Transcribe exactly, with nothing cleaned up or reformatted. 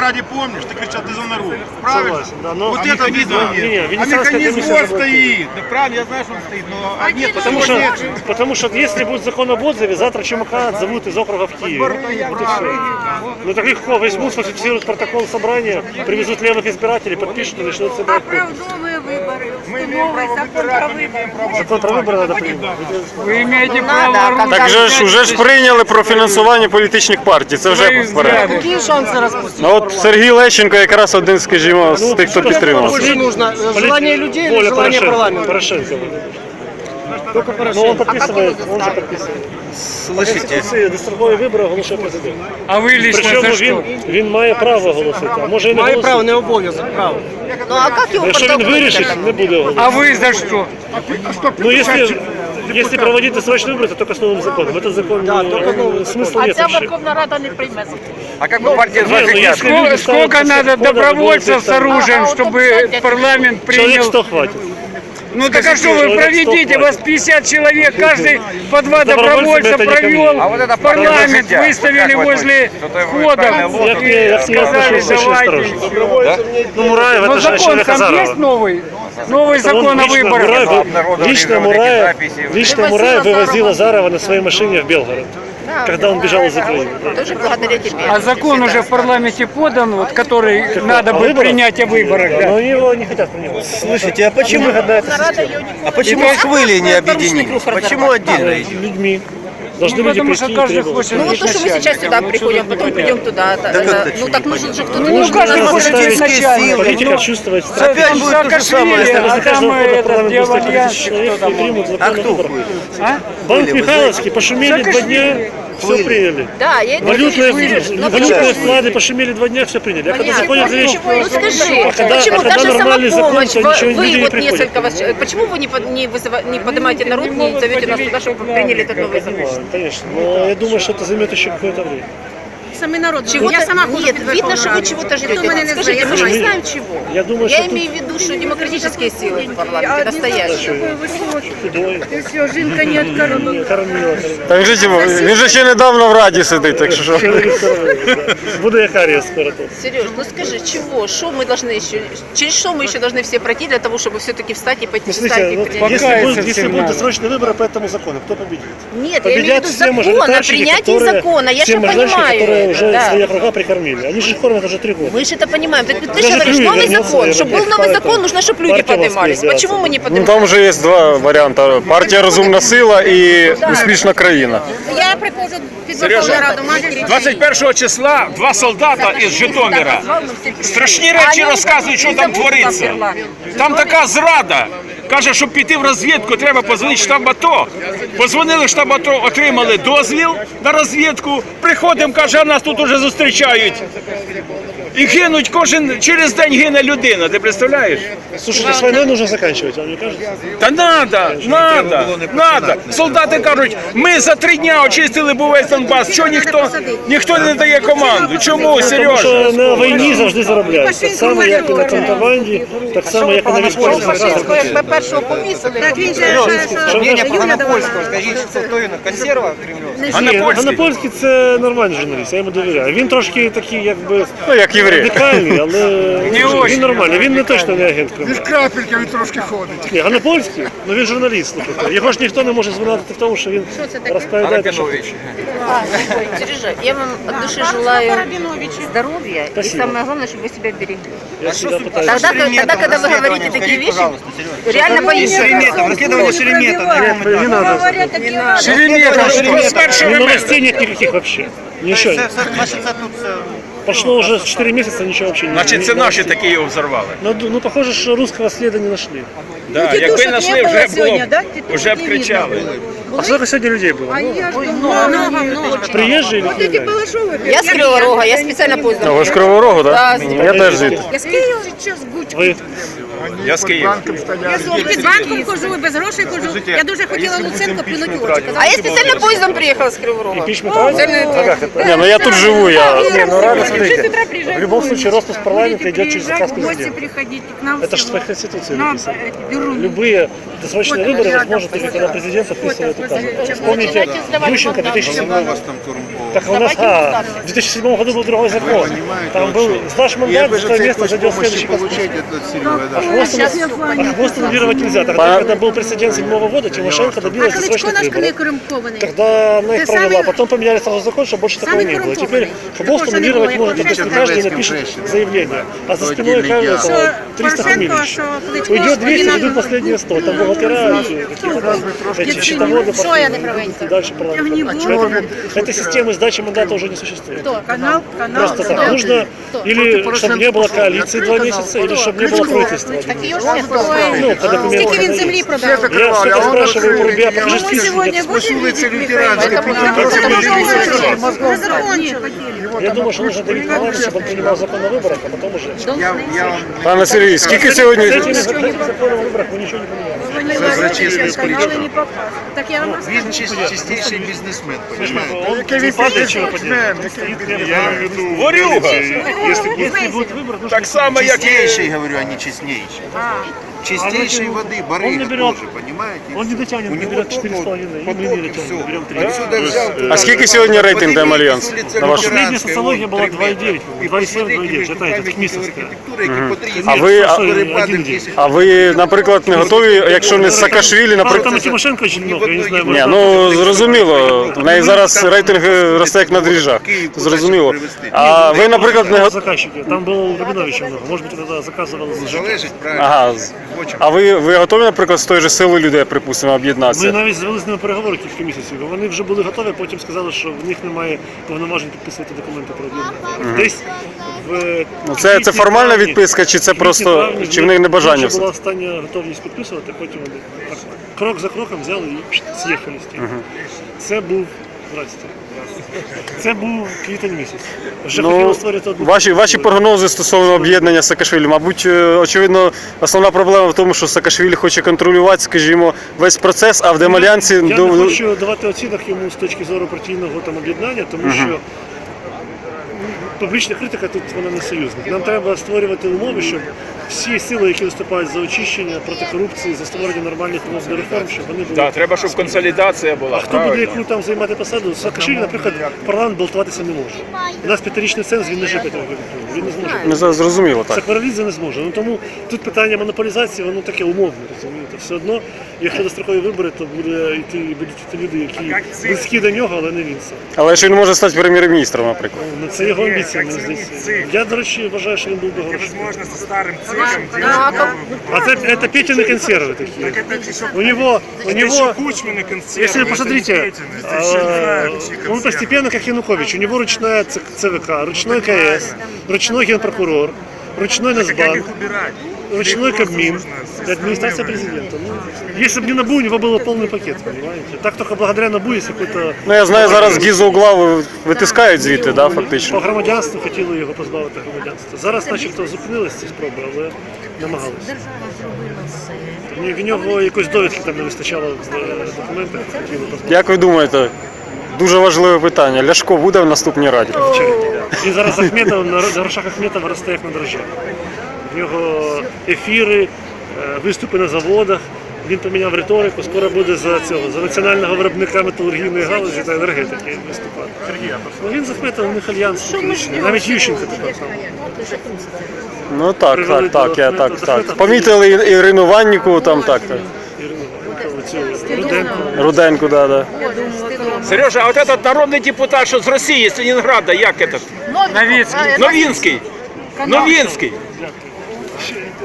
ради помнишь, ты кричал, ты за народ. Правильно? Согласен, да, но... Вот а это видно. не, не, А механизм вот стоит. Да правильно, я знаю, что он стоит, но а нет, Потому что, потому что если будет закон об отзыве, завтра ЧМК отзовут из округа в Киев. Вот и все. Ну так легко, возьмут, сфальсифицируют протокол собрания, привезут левых избирателей, подпишут и начнут собирать подписи. Оправдовые выборы, новый закон про выборы. Закон про выборы надо принять. Ви имеете право. Так же ж уже ж прийняли про фінансування політичних партій, це вже вперед. Какие шансы распустить? Ну от Сергій Лещенко якраз один, скажімо, з тих, хто підтримав. Больше нужно желание людей или Воля желание Порошенко. парламента? Порошенко. Только Ну Порошенко. он подписывает, он же подписывает. Слышите? Дострокові вибори оголошує президент. А ви лично Причому за він, що? він має право оголосити, а може і не Мое право, голосити. не обов'язок, право. Ну а как его Якщо він потом вирішить, не буде оголосити. А ви за що? Ну если, если проводить досрочные выборы, то только с новым законом. Этот закон, Да, не- только новый смысла А нет ця вообще. Верховна Рада не прийме. А как бы партия Не, ну, если люди Сколько, станут сколько после надо входа, добровольцев будет с оружием, А, а вот чтобы тут, кстати, парламент Человек принял? сто хватит. Ну так а что вы человек проведите, сто вас пятьдесят человек, каждый по два Добровольцами добровольца это не ко мне. провел, А вот это парламент парламент выставили возле входа Я к ней, я к ней сказали, отношусь очень давайте. осторожно. Ну, Мураев, Но это же закон человек там Азарова. есть новый? Новый Он закон о лично выборах. Мураев, лично Мураев, лично Мураев вывозил Азарова на своей машине в Белгород, когда он бежал из Украины. Тоже благодаря тебе. А закон уже в парламенте подан, вот, который надо О будет выборах? принять о выборах. Да. Но его не хотят принимать. Слушайте, а почему, а почему хвыли не объединились? Почему отдельно идет? Людьми. Должны Ну, люди потому что прийти и каждый требовать. хочет Ну вот быть то, что мы сейчас начальником. сюда Вот приходим, что-то потом такое. придем туда. Так это- это ну что, так не нужен же кто-то. Ну, должен каждый нас хочет слушать. быть начальником. Политика Ну, чувствовать Опять страх. Опять будет то же самое. Саакашвили, Если а за там каждого года этот парламент будет сто Девальян, тысяч человек, кто не там. примут А закон о кто выборах. будет? А? Банк Были, вы Михайловский пошумели два дня, все приняли. Да, я это Валютные, Сереж, ну валютные почему? вклады пошумели два дня, все приняли. А когда Понятно. заходят речь, Ну скажи, когда- почему а когда даже нормальный закон, самопомощь, то вы, ничего, люди вы не вот приходят. несколько вас, почему вы не, под- не, вызыва- не поднимаете народ, не зовете нас туда, чтобы приняли этот новый закон? Конечно, конечно. Но я думаю, что это займет еще какое-то время. Самий народ. Чего-то, Я сама ходжу нет, під видно, Верховну что вы Раду. чего-то Ніхто ждете. мене не Скажите, знає, мы же я не знаю. знаем чего. Я думаю, Я что имею в виду, что демократические силы в парламенте настоящие. худой, Ти все, жінка не откормила. кормила. Так же, типу, він же ще недавно в Раді сидить, так що. Буду я кариес скоро тут. Сереж, ну скажи, чего, что мы должны еще, через что мы еще должны все пройти для того, чтобы все-таки встать и подписать Смотрите, и вот принять? если, Покаяться будет, если всем будут надо. досрочные выборы по этому закону, кто победит? Нет, я имею в Победят виду все закона, мажоритарщики, принятие которые, закона, я все же мажоритарщики, понимаю. которые уже да. свои округа прикормили. Они же кормят уже три года. Мы же это понимаем. Ты, ты Даже же говоришь, Клюев новый вернется, закон. наверное, Чтобы был как новый по закон, этому. нужно, чтобы люди Партия поднимались. воспитывается. Почему мы не Ну поднимаемся? там вже є два варіанти. Партія Розумна сила і Успішна країна. Я приходжу під Верховну Раду матері. двадцять першого числа два солдата із Житомира страшні речі розказують, що там твориться. Там така зрада. Каже, щоб піти в розвідку, треба позвонити в штаб АТО. Позвонили в штаб АТО, отримали дозвіл на розвідку. Приходимо, каже, а нас тут уже зустрічають. І гинуть кожен, через день гине людина, ти представляєш? Слушайте, с войной нужно заканчивать, вам не кажется? Та надо, надо, надо. Солдати кажуть, ми за три дня очистили був весь Донбас. Чого ніхто, ніхто не дає команду? Чому, Тому Сережа? що на війні завжди заробляють. Так само, як і на контрабанді, так само, як і на військовій Пашинського, якби першого повісили. Так він же Що Мнение ви- по Ганапольскому, скажите, что кто він? Консерва кремлевская? А на польській? Ганапольський – це нормальний журналіст, я йому довіряю. Він трошки такий, якби, Ну, як єврей. радикальний, але очень. він нормальний. Він не точно не агент Кремля. Крапелька він трошки ходить. Ні, Ганапольський, ну він журналіст. слухайте. Його ж ніхто не може звинуватити в тому, що він розповідає, що Сережа, я вам от души желаю здоровья. И Спасибо. самое главное, чтобы вы себя берегли. я всегда пытаюсь. Тогда, тогда, когда вы говорите такие вещи, реально боишься. Шереметов, расследование Шеремета. Нет, не надо. Шеремета, Ну, новостей нет никаких вообще. Ничего. Це, це, значить, це тут це... Прошло уже четыре месяца, ничего вообще не Значить, це наші такі його взорвали. Ну, ду- ну, похоже, что русского следа не нашли. Да, якби тітушок знайшли, не було вже було, сьогодні, да? б- Тітушок вже б не кричали. А сколько сегодня людей было? Ну, Я ж думала, много, много. приезжие или Вот эти криминальные? Балашовы. Я с Кривого Рога, я специально поздно. Ну, ви з Кривого Рогу, Да, так? з Я теж звідти. Я с Киева сейчас гучку. Вы Я з Києва. Я під банком хожу, і без грошей хожу. Я дуже хотіла Луценко плюнути в очі. А я специально поездом приехала с Кривого Рога. Импичмент правильно? А как это? Не, ну я тут живу, я... Не, ну рано, смотрите. В любом случае, распуск парламента идет через заказ президента. приходите к нам. Это же в Конституции Нам написано. эти беру. Любые досрочные выборы возможны только когда президент подписывает указ. Вспомните Ющенко в две тысячи седьмом. Так у нас, а, в две тысячи седьмом году был другой закон. Там был, сдашь мандат, за твое место зайдет следующий Конституций. А хвост, а хвост аннулировать нельзя. Тогда, когда был прецедент седьмого года, Тимошенко добилась досрочных выборов. Тогда она их провела, потом поменяли сразу закон, чтобы больше такого не было. Теперь хвост аннулировать может только если каждый напишет заявление. А за спиной каждого триста фамилий еще. Уйдет двести, уйдут последние сто. Там бухгалтера, эти счетоводы, и дальше парламент. Поэтому этой системы сдачи мандата уже не существует. Канал, канал. Просто так нужно, или чтобы не было коалиции два месяца, или чтобы не было правительства. Ну, по документам. Скільки він землі продав? Я всегда спрашиваю у ребят, покажи список. Нет. Я думаю, что нужно Давид Николаевич, чтобы он принимал закон о выборах, а потом уже. Пане Сергій, скільки сьогодні... С этими законами о выборах мы ничего не поменяли. Так я вам Він чис- чистейший бізнесмен, понимаете? Он не падает, чего поделать. Ворюга! Если будет выбор, нужно... Так само, як і... Чистейший, говорю, а не честнейший. Чистейшей воды, Он не барыга берет, тоже, понимаете? он не дотянет, У не него берет только четыре с половиной, и мы поток, не и дотянем, все. берем три. Отсюда взял. А скільки сьогодні рейтинг Демальянс? На ваш... Последняя социология была два и девять, два и семь, два и девять, это эта Кмисовская. А ви, а, один день. а ви, наприклад, не готові, якщо не з Саакашвілі, Правда, там и наприклад... Тимошенко очень много, я не знаю. Ні, может, ну зрозуміло, в неї зараз рейтинг росте як на дріжджах, зрозуміло. А ви, наприклад, не там готові... заказчики, там было Рабиновича много, может быть, это заказывал за Залежить, правильно. Ага, з- а ви, ви готові, наприклад, з тої ж сили людей, припустимо, Ми об'єднатися? навіть звели з ними переговори кілька місяців. Вони вже були готові, потім сказали, що в них немає повноважень підписувати документи про об'єднання. Десь в Ну, це, це квітні, формальна травні, відписка, чи це квітні, просто, травні, чи в них не бажання вже все? була остання готовність підписувати, потім вони так, крок за кроком взяли і пш, з'їхали з тим. Це був, здрасте, це був квітень місяць. Вже Ну, хотіли створити одну... ваші, ваші прогнози стосовно об'єднання з Саакашвілі, мабуть, е, очевидно, основна проблема в тому, що Саакашвілі хоче контролювати, скажімо, весь процес, а в Демальянсі... Я до- не хочу давати оцінок йому з точки зору партійного там об'єднання, тому що м, публічна критика тут вона не союзник. Нам треба створювати умови, щоб всі сили, які виступають за очищення, проти корупції, за створення нормальних умов для реформ, щоб вони були. Да, треба, щоб консолідація була. А хто буде правильно. яку там займати посаду? Саакашвілі, наприклад, в парламент балотуватися не може. У нас п'ятирічний ценз, він не живе п'ять років. Він не зможе. Не за- зрозуміло, так. Сакварелідзе не зможе. Ну тому тут питання монополізації, воно таке умовне, розумієте. Все одно, якщо дострокові вибори, то буде йти, будуть йти люди, які близькі до нього, але не він сам. Але що він може стати прем'єр-міністром, наприклад. Ну, це його амбіція, мені здається. Я, до речі, вважаю, що він був би хороший. А це, це Петины консервы такие. У него, у него, если вы посмотрите, э, он постепенно как Янукович. У него ручная ц- ЦВК, ручной КС, ручной генпрокурор, ручной Нацбанк, ручной Кабмин, и администрация президента. Ну, если бы не НАБУ, у него был полный пакет, понимаете? Так только благодаря НАБУ есть какой-то... Ну, я знаю, зараз Гізо угла ви- витискають звідти, да, По фактично. громадянству хотіли його позбавити громадянства. Зараз начебто зупинилися ці спроби, але намагалися. Ні, в нього якоїсь довідки там не вистачало в е, документах, хотіли позбавити. Як ви думаєте, дуже важливе питання, Ляшко буде в наступній раді? Він зараз Ахметов, на грошах Ахметова росте як на дрожжах. В нього ефіри, е, виступи на заводах, він поміняв риторику, скоро буде за цього, за національного виробника металургійної галузі та енергетики виступати. Ну, він з Ахметовим, у них альянс технічний, навіть Ющенко тепер там. Ну так, Привели так, так, до я Ахметова. так, До так. Ахметова Помітили І- Ірину Ванніку, там так, так. Ірину, цю Руденко. Руденку, да, да. Сережа, а от этот народний депутат, що з Росії, з Ленінграда, як этот? Новицкий. Новинський. Новинський.